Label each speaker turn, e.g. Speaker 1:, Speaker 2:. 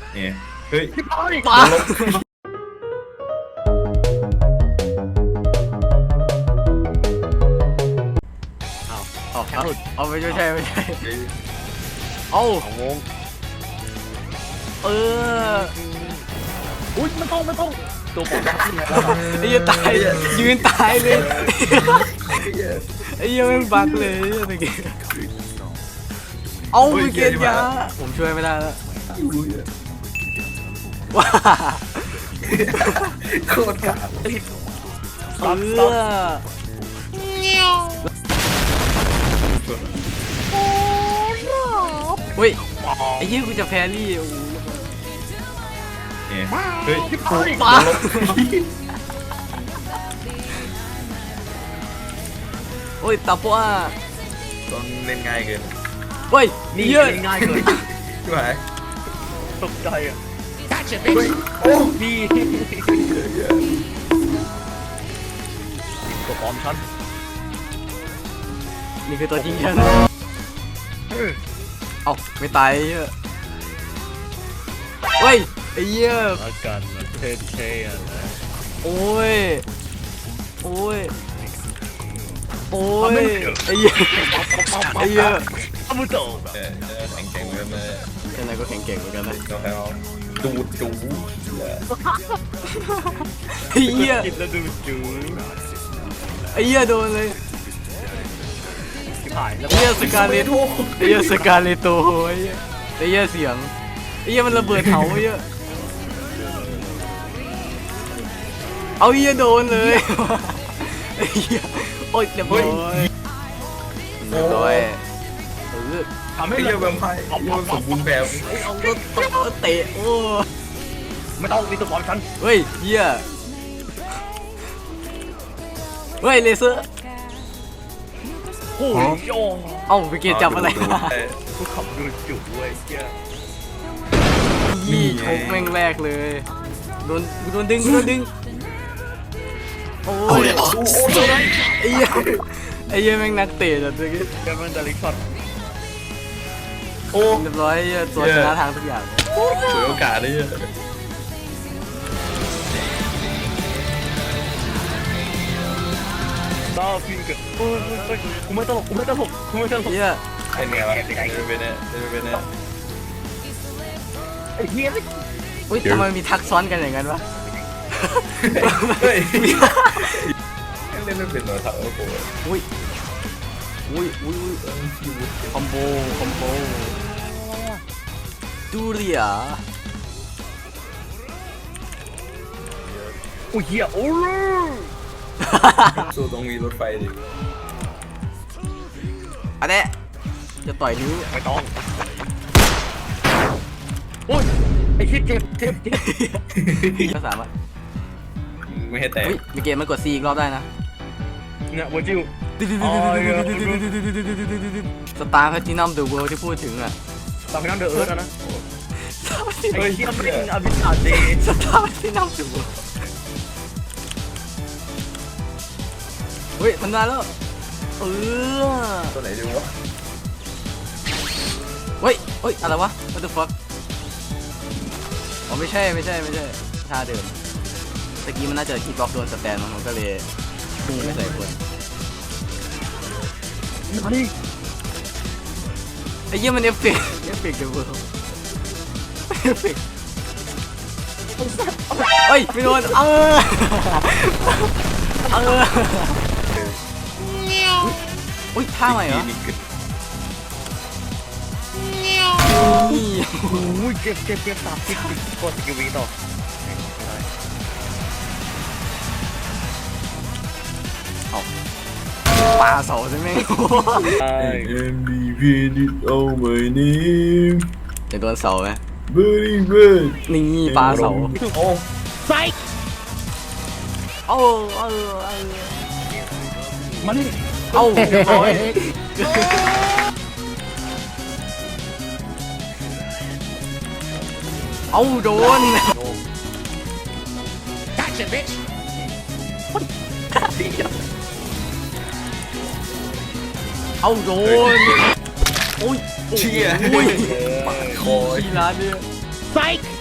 Speaker 1: เนี่ยเฮ้ย
Speaker 2: ปาเอาไม่ใช่ไม่ใช่เอา
Speaker 3: งงอุ้ยไม่ต้องตัวผม
Speaker 2: ไอ้ยังตายยืนตายเลยไอ้ยังไม่บักเลยตะกี้เอาไปเกียร์ยาผมช่วยไม่ได้แล้วว้า
Speaker 1: โคตรกาด
Speaker 2: เฮ้ยไอ้ยี่กูจะแพ้รี่โอ้โห
Speaker 1: เนี่ยเฮ้ย
Speaker 2: ปาโอ้ยตาปัว
Speaker 1: ต้องเล่นง่ายเกิน
Speaker 2: เฮ้ย
Speaker 3: นี่
Speaker 2: เยอะ
Speaker 3: ง่ายเลย
Speaker 1: ใช่ไหม
Speaker 3: ตกใจอ่ะ
Speaker 1: โอ้
Speaker 3: ดีตัวปลอมฉัน
Speaker 2: นี่คือตัวจริงฉันเอ้าไม่ตายเยอะเฮ้ยไอ้เหี้ย
Speaker 3: อาการมันเท่ๆอ่ะ
Speaker 2: โอ้ยโอ้ยโอ้ยไอ้เหี้ยไอ้เหี้ย
Speaker 3: อามุโตะ
Speaker 1: แข็งๆเหมือนกันเลย
Speaker 2: ยังไงก็แข็งเก่งเหมือนกันนะ
Speaker 1: ก็ให้เอาดู
Speaker 2: ไอ้เหี้ย
Speaker 3: กินแล้วดูจู๋
Speaker 2: ไอ้เหี้ยโดนเลย
Speaker 3: ที่ผ่านแล้ว
Speaker 2: ไอ้เหี้ยสกาเลตไอ้เหี้ยสกาเลโตไอ้เหี้ยเสียงไอ้เหี้ยมันระเบิดเผาไอ้เหี้ยเอาเหี้ยโดนเลยไอ้เหี้ยโอ๊ยเดี๋ยวโอ๊ยเรียบร้อย
Speaker 3: ทำให้
Speaker 1: ไม่
Speaker 3: เรา
Speaker 1: เยอะแบบไพ่สมบูรณ์แบบ
Speaker 2: เอารถเตะโอ้
Speaker 3: ไม่ต้องมีตัวปลอมฉัน
Speaker 2: เฮ้ยเหี้ยเฮ้ยเลเซอร์
Speaker 3: โอ้ยโย
Speaker 2: เอ้าไปเกตจับอะไรมา
Speaker 3: กูขับดูจุ๋เว้ยเจ้า
Speaker 2: ยี่ชกแม่งแรกเลยโดนดึงโอ้ยไอ้เหี้ยไอ้เหี้ยแม่งนักเตะจัดเลย
Speaker 3: เจ้ามันจะลิกช็อต
Speaker 1: โอ้
Speaker 2: เรียบร้อยตัวชนะทางทุกอย่าง
Speaker 1: ฉวยโอกาสได้เยอะ
Speaker 3: ต้าพิงเกิดกูไม่ตลก
Speaker 2: เหี้ย
Speaker 1: เป็นไงวะเป็นเนี่ยเป็นเนี่ย
Speaker 3: ไอ้เหี้ย
Speaker 2: อุ้ยทำไมมีทักซ้อนกันอย่างนั้นวะ
Speaker 1: เฮ้ยเล่นไม่เป็นหรอครับโอ้โห
Speaker 2: อุ้ยคอมโบดูเรีย
Speaker 3: โอ้ยเหี้ยโอ้ย
Speaker 1: สู้ต้องมีรถไฟดิ
Speaker 2: อันนี้จะต่อยนิ้ว
Speaker 3: ไม่ต้องโอ้ยไอ้เหี้ยเจ็บ
Speaker 2: ก็สามารถ
Speaker 1: ไม่ให้แตก
Speaker 2: อุ้ยมีเกมมันกด C อีกรอบได้นะ
Speaker 3: เนี่ยวัวจิว
Speaker 2: สตาร์แพทินัมเดอะเวิลด์ที่พูดถึงอ่ะ
Speaker 3: ตามไปนั่งเดอะเอิร์ธนะ
Speaker 1: เฮ้ย
Speaker 3: เหี้ยไม่ได้อาบิสาเด
Speaker 2: สตาร์แพทินัมเดอะเวิลด์เฮ้ยมันได้แล้ว
Speaker 1: ตัวไหนดีวะ
Speaker 2: เฮ้ยอะไรวะ what the fuck อ๋อไม่ใช่ท่าเดิมตะกี้มันน่าจะคีบล็อกโดนสแตนมันก็เลยพุ่งไม่ใส่คน
Speaker 3: มาดิ
Speaker 2: ไอ้เหี้ยมันเอฟเฟกต์เดอะเวิลด์เฮ้ยไม่โดนอุ้ยท่าใหม่เหรอนี่
Speaker 3: โอ้ยเจ็บตาพิษกดสกิลวีต่อ
Speaker 2: ปลาเสาใช่ไหม
Speaker 1: MVP did all my name
Speaker 2: จะโดนเสาไหม
Speaker 1: very good
Speaker 2: นี่ปลาเสา
Speaker 1: โอ้
Speaker 3: ไซ
Speaker 2: มันเรียบร้อยโดน
Speaker 3: Gotcha bitch
Speaker 2: โดนโอ้ย
Speaker 1: เชี่ย
Speaker 2: โอ้ย
Speaker 1: ปาดคอ
Speaker 2: ที่ร้านเนี่ย
Speaker 3: Psych